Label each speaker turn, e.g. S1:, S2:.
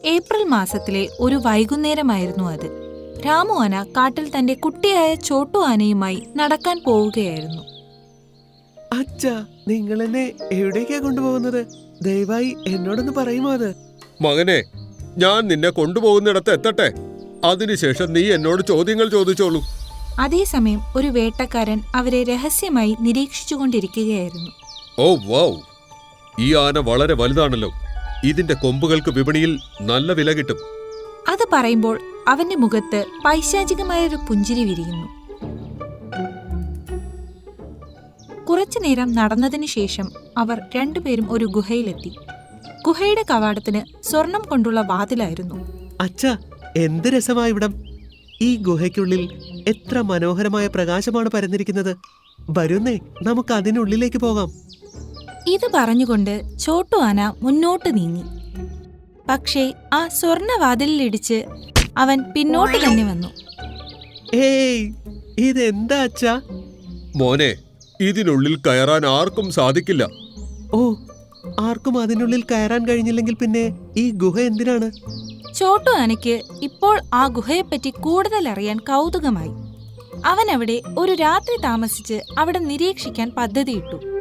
S1: April മാസത്തിലെ ഒരു വൈകുന്നേരമായിരുന്നു അത്. രാമു ആന കാട്ടിൽ തന്റെ കുട്ടിയായ ചോട്ടു ആനയുമായി നടക്കാൻ പോവുകയായിരുന്നു.
S2: അച്ഛാ, നിങ്ങൾ എന്നെ എവിടേക്കാ കൊണ്ടുപോകുന്നത്? ദയവായി എന്നോടൊന്ന് പറയുമോ അത്?
S3: മകനെ, ഞാൻ നിന്നെ കൊണ്ടുപോകുന്നിടത്ത് എത്തട്ടെ, അതിനുശേഷം നീ എന്നോട് ചോദ്യങ്ങൾ ചോദിച്ചോളൂ.
S1: അതേസമയം ഒരു വേട്ടക്കാരൻ അവരെ രഹസ്യമായി നിരീക്ഷിച്ചുകൊണ്ടിരിക്കുകയായിരുന്നു.
S3: ഓ വൗ, ഈ ആന വളരെ വലുതാണല്ലോ. ഇതിന്റെ കൊമ്പുകൾക്ക് വിപണിയിൽ നല്ല വില കിട്ടും.
S1: അത് പറയുമ്പോൾ അവന്റെ മുഖത്ത് പൈശാചികമായൊരു പുഞ്ചിരി വിരിയുന്നു. കുറച്ചുനേരം നടന്നതിനു ശേഷം അവർ രണ്ടുപേരും ഒരു ഗുഹയിലെത്തി. ഗുഹയുടെ കവാടത്തിന് സ്വർണം കൊണ്ടുള്ള വാതിലായിരുന്നു.
S2: അച്ഛാ, എന്ത് രസമായ ഇവിടം! ഈ ഗുഹയ്ക്കുള്ളിൽ എത്ര മനോഹരമായ പ്രകാശമാണ് പരന്നിരിക്കുന്നത്. വരുന്നേ, നമുക്ക് അതിനുള്ളിലേക്ക് പോകാം.
S1: ഇത് പറഞ്ഞുകൊണ്ട് ചോട്ടു ആന മുന്നോട്ട് നീങ്ങി. പക്ഷേ ആ സ്വർണവാതിലിടിച്ച് അവൻ പിന്നോട്ട് തന്നെ വന്നു.
S2: ഏയ്, ഇതെന്താ അച്ഛാ?
S3: മോനെ, ഇതിനുള്ളിൽ കയറാൻ ആർക്കും സാധിക്കില്ല.
S2: ഓ, ആർക്കും അതിനുള്ളിൽ കയറാൻ കഴിഞ്ഞില്ലെങ്കിൽ പിന്നെ ഈ ഗുഹ എന്തിനാണ്?
S1: ചോട്ടു ആനയ്ക്ക് ഇപ്പോൾ ആ ഗുഹയെപ്പറ്റി കൂടുതൽ അറിയാൻ കൗതുകമായി. അവൻ അവിടെ ഒരു രാത്രി താമസിച്ച് അവിടെ നിരീക്ഷിക്കാൻ പദ്ധതിയിട്ടു.